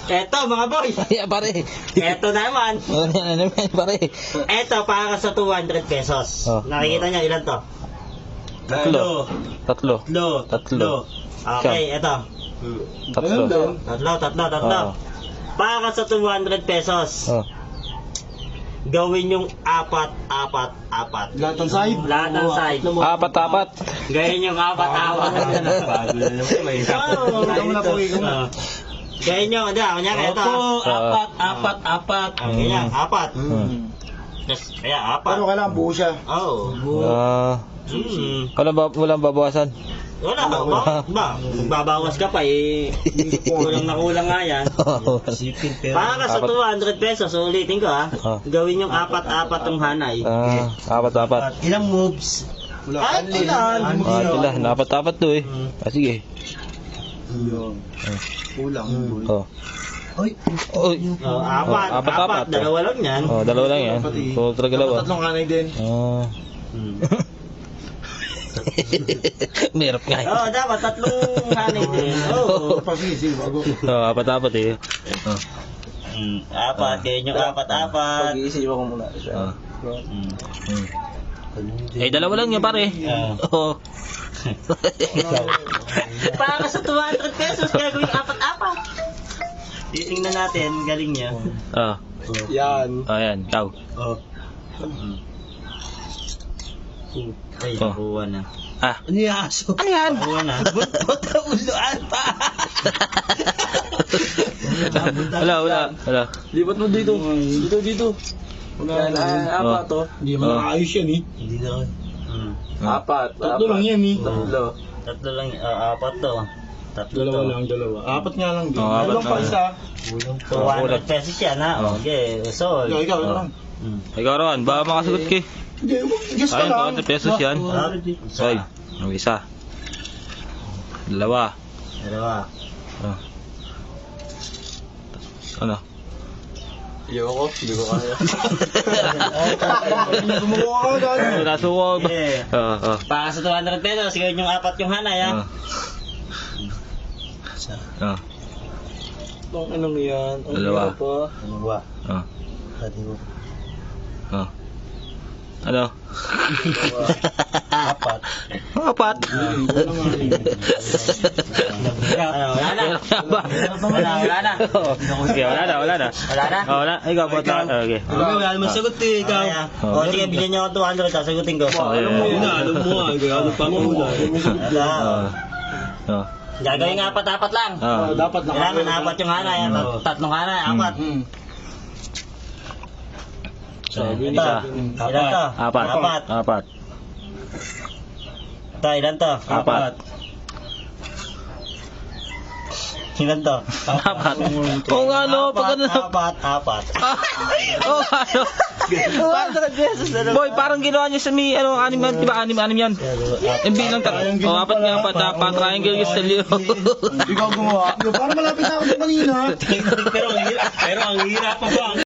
Eto mga boy. Yeah, pare. Eto naman. Ano yan, pare? Eto para sa 200 pesos. Oh. Nakikita niyo ilan to? Tatlo. Okay, eto. Tatlo. Tatlo. Oo. Para sa 200 pesos. Oh. Gawin yung apat. Lahat ng side? Lahat ng side. Apat. Gawin yung apat. Bago na naman. May ikaw na po, ikaw na. Gawin yung, kunyari ito. apat. Ganyan, apat. Hmm. Kaya apat. Pero kailangan buo siya. Oo. Walang babawasan. Wala, magbabawas ka pa eh. Kulang na kulang nga yan. Para sa 200 pesos, ulitin ko gawin yung apat tong hanay. Apat. Ilang moves? Wala. Ilan? Apat to eh. Sige. Kulang. Oh. Oy. Apat. Dalawa lang yan. Oh, dalawa lang yan. So, dalawa. Tatlong kanay din. Merap nga eh. Dapat tatlong hanay din. Sige, bago. Apat eh. Apat, ganyan yung apat. Pag-iisip ako muna. Eh, dalawa lang yan pare. Oo. Para sa 200 pesos, gagawin apat. Titingnan natin, galing niya. Yan. Ayan, ikaw. Ay, nakuha na. Ano yung aso? Ano yan? Nakuha na. Uluan pa. Wala. Lipat mo dito. Dito. Apat to. Hindi mo nakayos yan eh. Hindi na. Apat. Tatlo lang yan eh. Tatlo lang, apat to. Tatlo to. Dalawa. Apat nga lang din. Apat Ano pa lang. isa? 200 pesos yan ha. Okay, so. Ikaw lang. Ikaw Ron, baka makasagot ka eh. Hindi, guess ka Ayun, lang. 200 pesos yan. Ay, ang isa. Dalawa. Ano? Ayoko, hindi ko kaya. Gumawa ka dahil. Nasuwag. Para sa 200 pesos, gawin yung apat yung hanay ha. Anong yan? Dalawa. Ano ba? Ano? Apat. Apat. Wala na. Okay, wala na. Wala. Ikaw po. Okay. Wala naman sagot eh, ikaw. O sige, bigyan niyo ako 200, sasagutin ko. Alam mo ano pa mo muna. Gagawin nga apat lang. Dapat Kailangan apat yung hanay, tatlong hanay, apat. Ilan to? Apat. Ilan to? Apat. Ilan to? Apat. Oo nga no, pag ano. Apat. Oo nga no. 200 pesos na Boy, parang ginawa niya sa may ano, anim yan, di ba? Anim yan. Yung bilang apat nga, triangle yung stalyo. Ikaw gumawa. Parang malapit na ako sa kanina. Pero ang hirap pa ba?